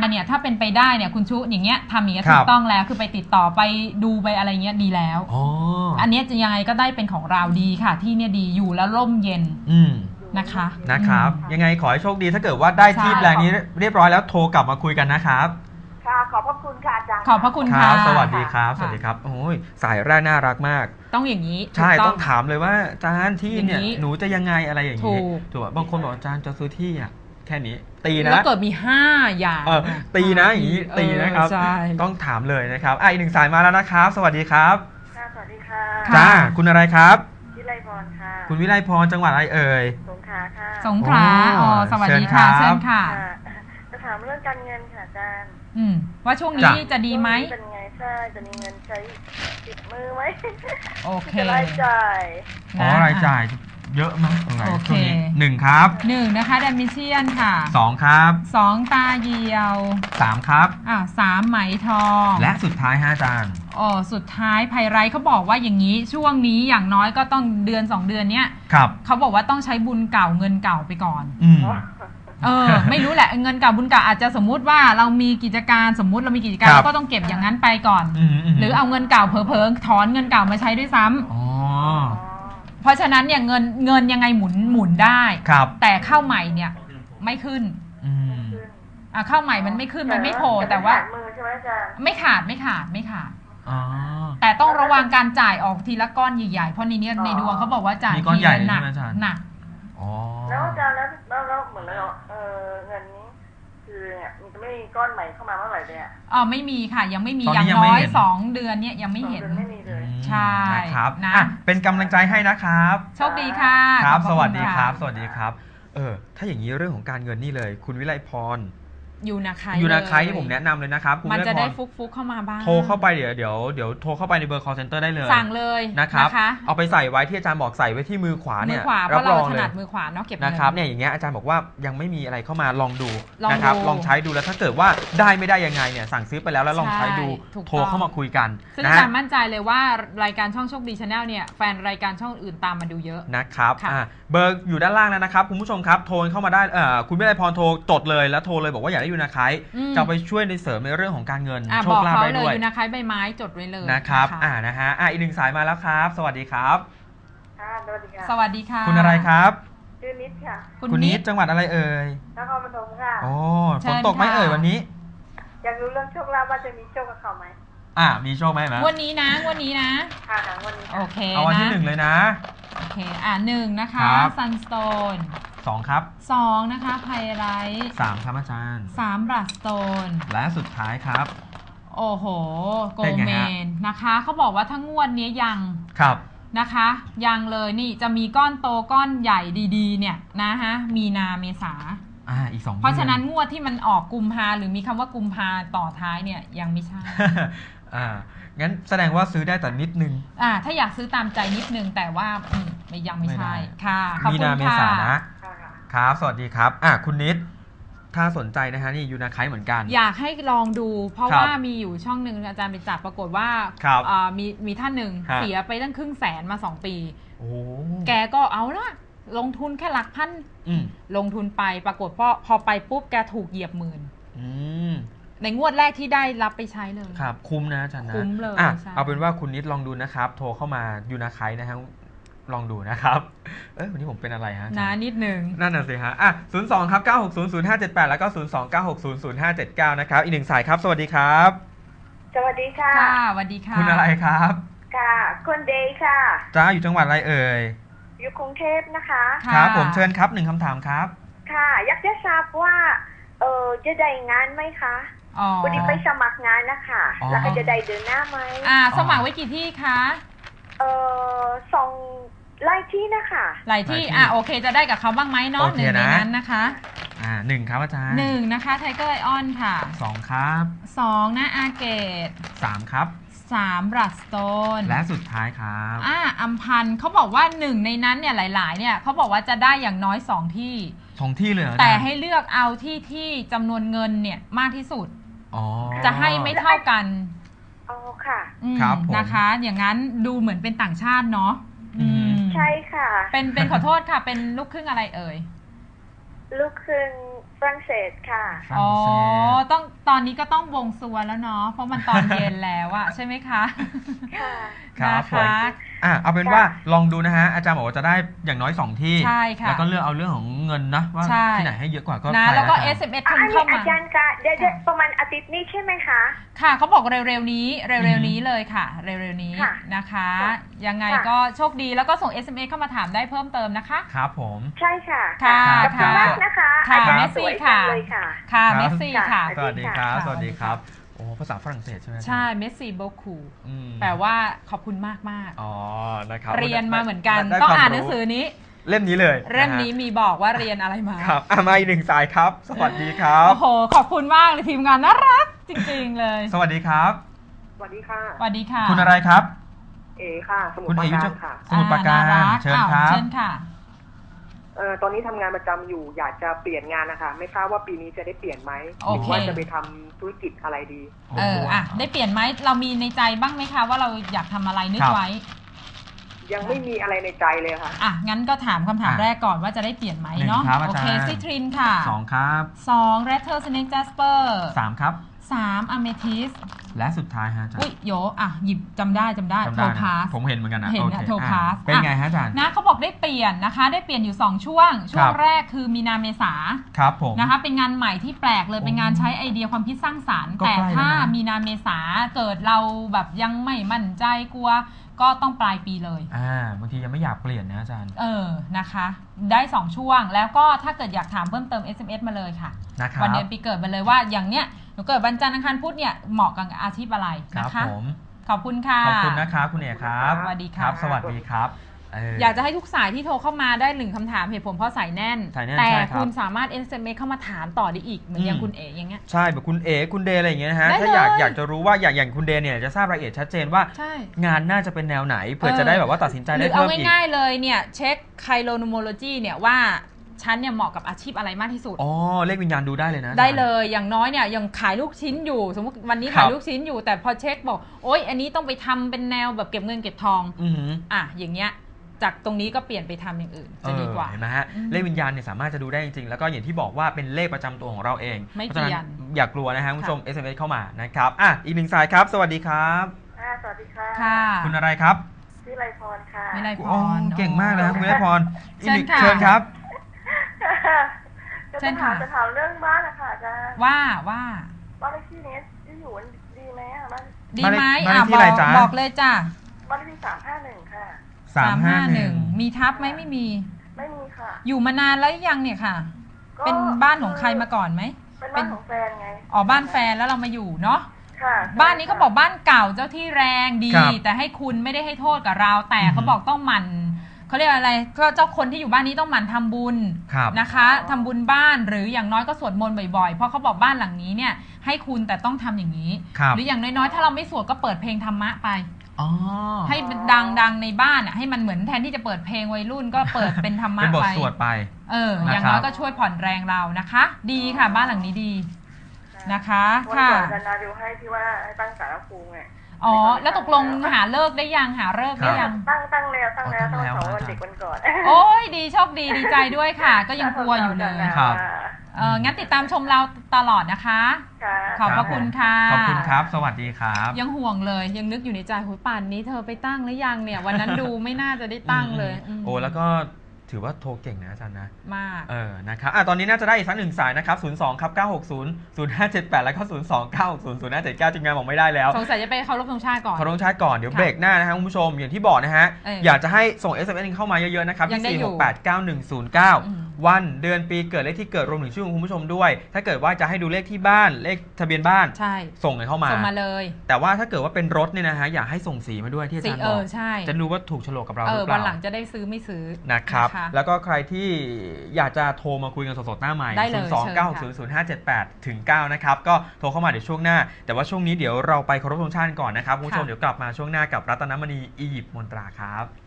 เนี่ยถ้าเป็นไปได้เนี่ยคุณชุอย่างเงี้ยทำอย่างเงี้ยถูกต้องแล้วคือไปติดต่อไปดูไปอะไรเงี้ยดีแล้วอันนี้จะยังไงก็ได้เป็นของเราดีค่ะที่เนี่ยดีอยู่แล้วร่มเย็นนะครับยังไงขอให้โชคดีถ้าเกิดว่าได้ที่แปลงนี้เรียบร้อยแล้วโทรกลับมาคุยกันนะครับค่ะขอบพระคุณค่ะอาจารย์ขอบพระคุณค่ะสวัสดีครับสวัสดีครับโอ้ยสายแรกน่ารักมากต้องอย่างนี้ใช่ต้องถามเลยว่าอาจารย์ที่เนี่ยหนูจะยังไงอะไรอย่างนี้ถูกบางคนบอกอาจารย์จะซื้อที่อ่ะแค่นี้ตีนะแล้วเกิดมี5อย่างตีนะอย่างนี้ตีนะครับต้องถามเลยนะครับอีกหนึ่งสายมาแล้วนะครับสวัสดีครับสวัสดีค่ะจ้าคุณอะไรครับวิไลพรค่ะคุณวิไลพรจังหวัดอะไรเอ่ยสงขลาค่ะสงขลาสวัสดีค่ะเชิญค่ะจะถามเรื่องการเงินค่ะอาจารย์ว่าช่วงนี้จะดีไหมเป็นไงใช่จะมีเงินใช้ติดมือไหมโอเครายจ่ายรายจ่ายเยอะมั้ยโอเค1ครับ 1นะคะดัมมิเชียนค่ะ 2ครับ 2ตาเยียว 3ครับ 3ไหมทองและสุดท้ายอาจารย์สุดท้ายไพไรเขาบอกว่าอย่างนี้ช่วงนี้อย่างน้อยก็ต้องเดือน2เดือนเนี้ยเขาบอกว่าต้องใช้บุญเก่าเงินเก่าไปก่อนไม่รู้แหละเงินเก่าบุญเก่าอาจจะสมมุติว่าเรามีกิจการสมมุติเรามีกิจการเราก็ต้องเก็บอย่างนั้นไปก่อนหรือเอาเงินเก่าเผลอๆถอนเงินเก่ามาใช้ด้วยซ้ำเพราะฉะนั้นเนี่ยเงินยังไงหมุนได้แต่เข้าใหม่เนี่ยไม่ขึ้นเข้าใหม่มันไม่ขึ้นมันไม่โผล่แต่ว่าไม่ขาดแต่ต้องระวังการจ่ายออกทีละก้อนใหญ่ๆเพราะในนี้ในดวงเขาบอกว่าจ่ายทีละหนักแล้วอาจารย์แล้วเหมือนเราเงินนี้คือเนี่ยมันจะไม่มีก้อนใหม่เข้ามาเมื่อไหร่เลยไม่มีค่ะยังไม่มีอย่างน้อย2เดือนเนี่ยยังไม่เห็นไม่มีเลยใช่ครับนะเป็นกำลังใจให้นะครับโชคดีค่ะครับสวัสดีครับสวัสดีครับถ้าอย่างนี้เรื่องของการเงินนี่เลยคุณวิไลพรยูนาไคที่ผมแนะนำเลยนะครับมันจะได้ฟุกเข้ามาบ้างโทรเข้าไปเดี๋ยวโทรเข้าไปในเบอร์ call center ได้เลยสั่งเลยนะครับเอาไปใส่ไว้ที่อาจารย์บอกใส่ไว้ที่มือขวาเนี่ยรับรองเลยถนัดมือขวาเนาะเก็บนะครับเนี่ยอย่างเงี้ยอาจารย์บอกว่ายังไม่มีอะไรเข้ามาลองดูนะครับลองใช้ดูแล้วถ้าเกิดว่าได้ไม่ได้ยังไงเนี่ยสั่งซื้อไปแล้วลองใช้ดูโทรเข้ามาคุยกันซึ่งอาจารย์มั่นใจเลยว่ารายการช่องโชคดี Channel เนี่ยแฟนรายการช่องอื่นตามมาดูเยอะนะครับเบอร์อยู่ด้านล่างแล้วนะครับคุณผู้ชมครับโทรเข้ามาได้คุณวิไลพรโทรจดเลยแล้วโทรเลยบอกว่าอยากได้ยูนาไคจะไปช่วยในเสริมในเรื่องของการเงินโชคลาภได้ด้วยอยู่นะคะใบไม้จดไว้เลยนะครับนะฮะอีกหนึ่งสายมาแล้วครับสวัสดีครับสวัสดีค่ะสวัสดีค่ะคุณอะไรครับชื่อนิดค่ะคุณนิดจังหวัดอะไรเอ่ยนครปฐมค่ะฝนตกไหมเอ่ยวันนี้อยากรู้เรื่องโชคลาภว่าจะมีโชคกับเขาไหมมีโชคไหมวันนี้นะวันนี้นะค่ะวันนี้โอเคเอาวันที่1เลยนะโอเค1นะคะซันสโตน 2ครับ 2นะคะไพไรท์ 3ครับอาจารย์ 3บลัดสโตนและสุดท้ายครับโอ้โหโกเมนนะคะเขาบอกว่าทั้งงวดนี้ยังนะคะยังเลยนี่จะมีก้อนโตก้อนใหญ่ดีๆเนี่ยนะฮะมีนาเมษาอีก2 เพราะฉะนั้นงวดที่มันออกกุมภาหรือมีคำว่ากุมภาต่อท้ายเนี่ยยังไม่ใช่งั้นแสดงว่าซื้อได้แต่นิดนึงถ้าอยากซื้อตามใจนิดนึงแต่ว่ายังไม่ใช่ค่ะขอบคุณค่ะมีนาเมษานะครับสวัสดีครับคุณนิดถ้าสนใจนะฮะนี่ยูนาไคเหมือนกันอยากให้ลองดูเพราะว่ามีอยู่ช่องหนึ่งอาจารย์ไปจับปรากฏว่ามีท่านหนึ่งเสียไปตั้ง100,000มา2 ปีแกก็เอาละลงทุนแค่หลักพันลงทุนไปปรากฏพอไปปุ๊บแกถูกเหยียบหมื่นในงวดแรกที่ได้รับไปใช้เลยครับคุ้มนะอาจารย์นะคุ้มเลยเอาเป็นว่าคุณนิดลองดูนะครับโทรเข้ามายูนาไคนะฮะลองดูนะครับวันนี้ผมเป็นอะไรฮะนิดหนึ่งนั่นน่ะสิฮะ02ครับ9600578แล้วก็029600579นะครับอีกหนึ่งสายครับสวัสดีครับสวัสดีค่ะสวัสดีค่ะคุณอะไรครับค่ะคุณเดย์ค่ะจ้าอยู่จังหวัดอะไรเอ่ยอยู่กรุงเทพนะคะครับผมเชิญครับ1คำถามครับค่ะอยากจะทราบว่าจะได้งานไหมคะวันนี้ไปสมัครงานนะคะแล้วก็จะได้เดินหน้าไหมสมัครไว้กี่ที่คะ 2หลายที่นะคะหลายที่โอเคจะได้กับเขาบ้างไหมเนาะ1ในนั้นนะคะ 1ครับอาจารย์ 1นะคะไทเกอร์ไอออนค่ะ 2ครับ 2นะอาเกต 3ครับ 3บลัดสโตนและสุดท้ายครับอัมพันธ์เขาบอกว่า1ในนั้นเนี่ยหลายๆเนี่ยเขาบอกว่าจะได้อย่างน้อย2ที่เลยแต่ให้เลือกเอาที่จำนวนเงินเนี่ยมากที่สุดจะให้ไม่เท่ากันค่ะครับนะคะอย่างนั้นดูเหมือนเป็นต่างชาติเนาะใช่ค่ะเป็นขอโทษค่ะเป็นลูกครึ่งอะไรเอ่ยลูกครึ่งฝรั่งเศสค่ะอ๋อตอนนี้ก็ต้องวงสวแล้วเนาะเพราะมันตอนเย็นแล้วอะใช่ไหมคะค่ะครับผมเอาเป็นว่าลองดูนะฮะอาจารย์บอกว่าจะได้อย่างน้อย2ที่ใช่ค่ะแล้วก็เลือกเอาเรื่องของเงินนะว่าที่ไหนให้เยอะกว่าก็นะแล้วก็ SMS คุณเข้ามาอาจารย์คะเดี๋ยวประมาณอาทิตย์นี้ใช่ไหมคะค่ะเขาบอกเร็วๆนี้เลยค่ะเร็วๆนี้นะคะยังไงก็โชคดีแล้วก็ส่ง SMS เข้ามาถามได้เพิ่มเติมนะคะครับผมใช่ค่ะค่ะขอบคุณมากนะคะค่ะเมสซี่ค่ะค่ะเมสซี่ค่ะสวัสดีครับสวัสดีครับโอ้ภาษาฝรั่งเศสใช่ไหมใช่เมสซี่โบคูแปลว่าขอบคุณมากอ๋อนะครับเรียนมาเหมือนกันต้องอ่านหนังสือนี้เล่มนี้เลยเล่มนี้มีบอกว่าเรียนอะไรมาครับมาอีก1 สายครับสวัสดีครับโอ้โหขอบคุณมากเลยทีมงานน่ารักจริงๆเลยสวัสดีครับสวัสดีค่ะสวัสดีค่ะคุณอะไรครับเอค่ะสมุทรปราการค่ะสมุทรปราการเชิญครับเชิญค่ะตอนนี้ทำงานประจำอยู่อยากจะเปลี่ยนงานนะคะไม่ทราบว่าปีนี้จะได้เปลี่ยนไหมหรือว่าจะไปทำธุรกิจอะไรดีได้เปลี่ยนไหมเรามีในใจบ้างไหมคะว่าเราอยากทำอะไรนึกไว้ยังไม่มีอะไรในใจเลยค่ะงั้นก็ถามคำถามแรกก่อนว่าจะได้เปลี่ยนไหมเนาะโอเคซิทรินค่ะ 2ครับ 2 Red Turtle Snake Jasper 3ครับ 3 Amethyst และสุดท้ายฮะอาจารย์โยหยิบจำได้โทพาสผมเห็นเหมือนกันนะเห็นโทพาสเป็นไงฮะอาจารย์นะเขาบอกได้เปลี่ยนนะคะได้เปลี่ยนอยู่2ช่วงแรกคือมีนาเมษาครับผมนะคะเป็นงานใหม่ที่แปลกเลยเป็นงานใช้ไอเดียความคิดสร้างสรรค์แต่ถ้ามีนาเมษาเกิดเราแบบยังไม่มั่นใจกลัวก็ต้องปลายปีเลยบางทียังไม่อยากเปลี่ยนนะอาจารย์นะคะได้2ช่วงแล้วก็ถ้าเกิดอยากถามเพิ่มเติม SMS มาเลยค่ะวันเดือนปีเกิดมาเลยว่าอย่างเนี้ยหนูเกิดวันจันทร์อังคารพุธเนี่ยเหมาะกับอาชีพอะไรนะคะขอบคุณค่ะขอบคุณนะครับคุณเอกครับสวัสดีครับสวัสดีครับอยากจะให้ทุกสายที่โทรเข้ามาได้1คำถามเหตุผลเพราะสายแน่นแต่คุณสามารถ SMS เข้ามาถามต่อได้อีกเหมือนอย่างคุณเอ๋อย่างเงี้ยใช่แบบคุณเอ๋คุณเดย์อะไรอย่างเงี้ยนะฮะถ้าอยากจะรู้ว่าอย่างคุณเดย์เนี่ยจะทราบรายละเอียดชัดเจนว่างานน่าจะเป็นแนวไหนเพื่อจะได้แบบว่าตัดสินใจได้เพิ่มอีกเอาง่ายๆเลยเนี่ยเช็คไคโลโนโมโลจีเนี่ยว่าฉันเนี่ยเหมาะกับอาชีพอะไรมากที่สุดเลขวิญญาณดูได้เลยนะได้เลยอย่างน้อยเนี่ยยังขายลูกชิ้นอยู่สมมติวันนี้ขายลูกชิ้นอยู่แต่พอเช็คบอกโอ๊ยอันนี้ต้องไปทำเป็นแนวแบบเก็บเงินเก็บทองอย่างเงี้ยจากตรงนี้ก็เปลี่ยนไปทำอย่างอื่นจะดีกว่าเห็นไหมฮะเลขวิญญาณเนี่ยสามารถจะดูได้จริงๆแล้วก็อย่างที่บอกว่าเป็นเลขประจำตัวของเราเองไม่เปลี่ยนอย่ากลัวนะฮะคุณผู้ชม SMS เข้ามานะครับอีก1 สายครับสวัสดีครับสวัสดีค่ะคุณอะไรครับชื่อไรพรค่ะไม่ไรพรเก่งมากเลยครับคุณไรพรเชิญครับจะถามเรื่องบ้านนะคะอาจารย์ว่าบ้านเลขที่นี้ที่อยู่ดีไหมบ้านดีไหมบอกเลยจ้ะบ้านเลขที่351ค่ะ 351มีทับไหมไม่มีค่ะอยู่มานานแล้วยังเนี่ยค่ะเป็นบ้านของใครมาก่อนไหมเป็นบ้านของแฟนไงบ้านแฟนแล้วเรามาอยู่เนาะค่ะบ้านนี้เขาบอกบ้านเก่าเจ้าที่แรงดีแต่ให้คุณไม่ได้ให้โทษกับเราแต่เขาบอกต้องหมั่นเขาเรียกอะไรก็เจ้าคนที่อยู่บ้านนี้ต้องหมั่นทำบุญนะคะทำบุญบ้านหรืออย่างน้อยก็สวดมนต์บ่อยๆเพราะเขาบอกบ้านหลังนี้เนี่ยให้คุณแต่ต้องทำอย่างนี้หรืออย่างน้อยๆถ้าเราไม่สวดก็เปิดเพลงธรรมะไปให้ดังในบ้านให้มันเหมือนแทนที่จะเปิดเพลงวัยรุ่นก็เปิดเป็นธรรมะไปเป็นบทสวดไปอย่างน้อยก็ช่วยผ่อนแรงเรานะคะดีค่ะบ้านหลังนี้ดีนะคะค่ะวันก่อนดูให้ที่ว่าให้ตั้งศาลภูมิไงแล้วตกลงหาเลิกได้ยังหาเลิกได้ยังตั้งแล้วต้องวันเด็กวันก่อนโอ้ยดีโชคดีดีใจด้วยค่ะก็ยังกลัวอยู่เลยงั้นติดตามชมเราตลอดนะคะขอบพระคุณค่ะขอบคุณครับสวัสดีครับยังห่วงเลยยังนึกอยู่ในใจโหป่านนี้เธอไปตั้งหรือยังเนี่ยวันนั้นดูไม่น่าจะได้ตั้งเลยแล้วก็ถือว่าโทรเก่งนะอาจารย์นะมากนะครับตอนนี้น่าจะได้อีกสัก1 สายนะครับ02ครับ960 0578แล้วก็02 960 0579จริงๆบอกไม่ได้แล้วสงสัยจะไปเคารพธงชาติก่อนเคารพธงชาติก่อนเดี๋ยวเบรกหน้านะครับคุณผู้ชมอย่างที่บอกนะฮะอยากจะให้ส่ง SMS เข้ามาเยอะๆนะครับที่4689109วันเดือนปีเกิดเลขที่เกิดรวมถึงชื่อของคุณผู้ชมด้วยถ้าเกิดว่าจะให้ดูเลขที่บ้านเลขทะเบียนบ้านส่งเข้ามาส่งมาเลยแต่ว่าถ้าเกิดว่าเป็นรถเนี่ยนะฮะอยากให้ส่งสีมาด้วยที่อาจารย์บอกจะรู้ว่าถูกโฉลกกับเราหรือเปล่าวันหลังจะได้ซื้อไม่ซื้อนะครับแล้วก็ใครที่อยากจะโทรมาคุยกันสดๆหน้าใหม่029600578-9นะครับก็โทรเข้ามาเดี๋ยวช่วงหน้าแต่ว่าช่วงนี้เดี๋ยวเราไปเคารพธงชาติก่อนนะครับคุณผู้ชมเดี๋ยวกลับมาช่วงหน้ากับรัตนมณีอียิปต์มนตราครับ